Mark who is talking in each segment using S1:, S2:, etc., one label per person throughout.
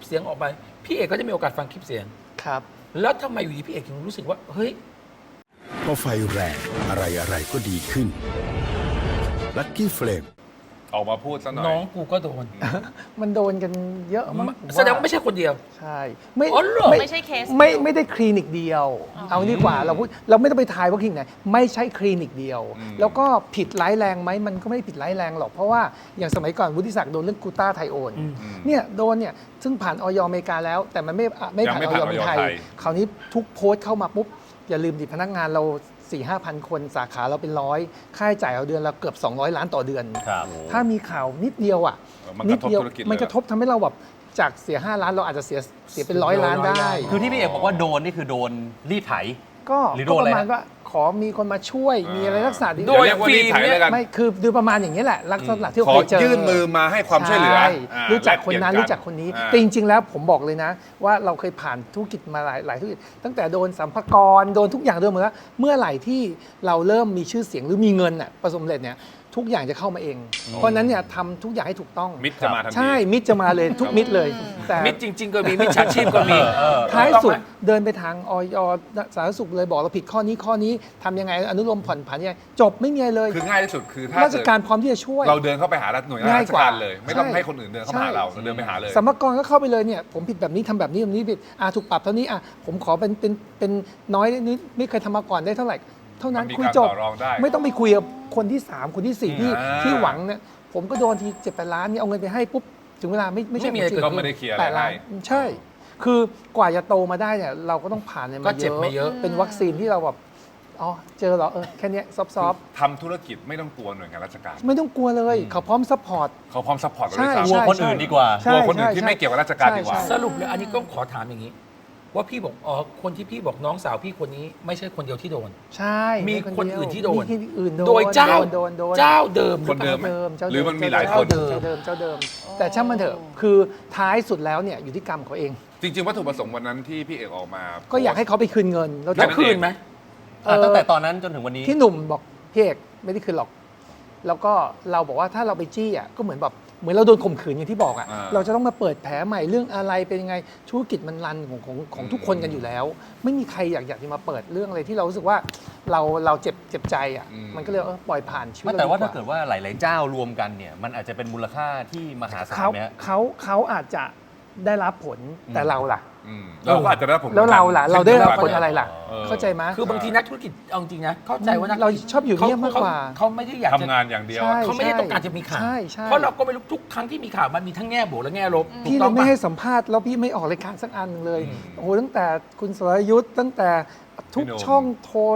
S1: เสียงออกไปพี่เอกก็จะมีโอกาสฟังคลิปเสียง
S2: ครับ
S1: แล้วทำไมอยู่ดีพี่เอกถึงรู้สึกว่าเฮ้ย
S3: พอไฟแรงอะไรก็ดีขึ้นลัคกี้เฟลม
S4: ออกมาพูดซะหน่อย
S1: น้องกูก็โดน
S2: มันโดนกันเยอะมั้ง
S1: แสดงว่าไม่ใช่คนเดียว
S2: ใช่
S1: อ๋อเหรอ
S5: ไม่ใช่เคส
S2: ไม่ได้คลินิกเดียว เอาดีกว่าเราพูดเราไม่ต้องไปทายว่าคลินิกไหนไม่ใช่คลินิกเดียว แล้วก็ผิดร้ายแรงไหมมันก็ไม่ได้ผิดร้ายแรงหรอกเพราะว่าอย่างสมัยก่อนวุฒิศักดิ์โดนเรื่องกูต้าไทโอนเนี่ยโดนเนี่ยซึ่งผ่านออยอเมริกาแล้ว แต่มันไม่ผ่านออยเมืองไทยคราวนี้ทุกโพสต์เข้ามาปุ๊บอย่าลืมดิพนักงานเรา4-5,000 คนสาขาเราเป็นร้อยค่าใช้จ่ายเราเดือนเราเกือบ200 ล้านต่อเดือน ถ้ามีข่าวนิดเดียวอ่ะ
S4: นิดเดียว
S2: มันกระทบทำให้เราแบบจากเสีย5 ล้านเราอาจจะเสียเป็น100 ล้านได้
S6: คือที่พี่เอกบอกว่าโดนนี่คือโดนรีดไถ
S2: ก็ประมาณว่าขอมีคนมาช่วยมีอะไรลักษณะดี
S4: โดยฟรีเลยกัน
S2: ไม่คือดูประมาณอย่างนี้แหละลักษณะที่เรา
S4: ขอ
S2: เคยเจอ
S4: ยื่นมือมาให้ความช่วยเหลือ
S2: รู้จักคนนั้นรู้จักคนนี้แต่จริงๆแล้วผมบอกเลยนะว่าเราเคยผ่านธุรกิจมาหลายธุรกิจตั้งแต่โดนสัมภากรโดนทุกอย่างโดนหมดแล้วเมื่อไหร่ที่เราเริ่มมีชื่อเสียงหรือมีเงินน่ะประสบความสำเร็จเนี่ยทุกอย่างจะเข้ามาเอง เพราะนั้นเนี่ยทำทุกอย่างให้ถูกต้อง
S4: มิตรจะมาทันที
S2: ใช่มิตรจะมาเลยทุกมิตรเลยแต่
S1: มิตรจริง ๆ ก็มีมิตรฉาชีพก็มี
S2: ท้ายสุดเดินไปทางออยสาธารณสุขเลยบอกเราผิดข้อนี้ทำยังไงอนุโลมผ่อนผันยังไงจบไม่มีอะไรเลย
S4: คือง่ายที่สุดคือถ้า
S2: ราชการพร้อมที่จะช่วย
S4: เราเดินเข้าไปหาหน่วยงานราชการเลย ไม่ต้องให้คนอื่นเดินเข้ามาหาเราเดินไปหาเลย
S2: สมกรก็เข้าไปเลยเนี่ยผมผิดแบบนี้ทำแบบนี้ผิดถูกปรับเท่านี้ผมขอเป็นน้อยนิดไม่เคยทำมาก่อนได้เท่าไหร่เท่านั้นคุยจบไม่ต้องไปคุยกับคนที่3คนที่4ที่หวังเนี่ยผมก็โดนที7-8 ล้านเนี่ยเอาเงินไปให้ปุ๊บถึงเวลาไม่ใช่
S4: ก็ไม่ได้เคลียร์อะไร
S2: 8 ล้านใช่คือกว่าจะโตมาได้เนี่ยเราก็ต้องผ่าน
S1: ก็เจ็บมาเยอะ
S2: เป็นวัคซีนที่เราแบบอ๋อเจอเหรอแค่นี้ซอฟต์
S4: ทำธุรกิจไม่ต้องกลัวหน่วยงานราชการ
S2: ไม่ต้องกลัวเลยเขาพร้อมซัพพอร์ต
S4: เขาพร้อมซัพพอร์ตเรา
S2: ใช่
S4: ด้วย
S6: กลัว
S4: ซ้ำ
S6: คนอื่นดีกว่า
S4: กลัวคนอื่นที่ไม่เกี่ยวกับราชการดีกว่า
S1: สรุปเลยอันนี้ก็ขอถามอย่างนี้ ว่าพี่บอกคนที่พี่บอกน้องสาวพี่คนนี้ไม่ใช่คนเดียวที่โดน
S2: ใช่
S1: มีคนอื่นที่โดน
S2: มีคนอื่นโดน
S1: โดยเจ้า
S2: โดน
S1: เจ้าเดิม
S4: คนเดิม
S2: เจ้า
S4: หรือมันมีหลายคน
S2: เจ้าเดิมแต่ช่างมันเถอะคือท้ายสุดแล้วเนี่ยอยู่ที่กรรมเขาเอง
S4: จริงๆวัตถุประสงค์วันนั้นที่พี่เอกออกมา
S2: ก็อยากให้เขาไปคืนเงิน
S1: แล้วคืนไหม
S6: ตั้งแต่ตอนนั้นจนถึงวันนี้
S2: พี่หนุ่มบอกพี่เอกไม่ได้คืนหรอก แล้วก็เราบอกว่าถ้าเราไปจี้ก็เหมือนเราโดนข่มขืนอย่างที่บอกเราจะต้องมาเปิดแผลใหม่เรื่องอะไรเป็นยังไงธุรกิจมันรันของทุกคนกันอยู่แล้ว ไม่มีใครอยากจะมาเปิดเรื่องอะไรที่เรารู้สึกว่าเราเจ็บใจมันก็เลยปล่อยผ่านชีวิต
S6: แต่ว่าถ้าเกิดว่าหลายๆเจ้ารวมกันเนี่ยมันอาจจะเป็นมูลค่าที่มหาศาลไหมฮะ
S2: เขาอาจจะได้รับผลแต่เราล่ะ
S4: เราก็อาจจะได้ผล
S2: แล้วเราล่ะเราได้รับผลอะไรล่ะเข้าใจไหม
S1: คือบางทีนักธุรกิจเอาจริงนะเข้าใจว่านัก
S2: เราชอบอยู่เงียบมากกว่า
S1: เขาไม่ได้อยากจะ
S4: ทำงานอย่างเดียว
S1: เขาไม่ได้ต้องการจะมีข่าวเพราะเราก็ไม่รู้ทุกครั้งที่มีข่าวมันมีทั้งแง่บวกและแง่ลบ
S2: พี่เลยไม่ให้สัมภาษณ์แล้วพี่ไม่ออกรายการสักอันเลยโอ้โหตั้งแต่คุณสรยุทธ์ตั้งแต่ทุกช่องโทร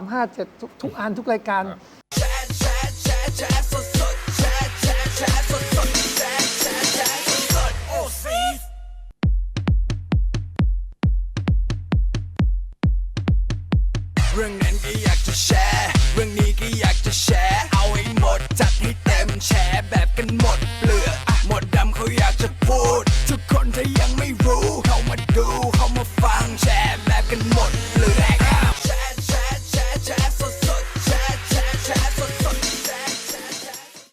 S2: 357ทุกอันทุกรายการ
S7: เรื่องนั้นก็อยากจะแชร์เรื่องนี้ก็อยากจะแชร์เอาให้หมดจัดให้เต็มแชร์แบบกันหมด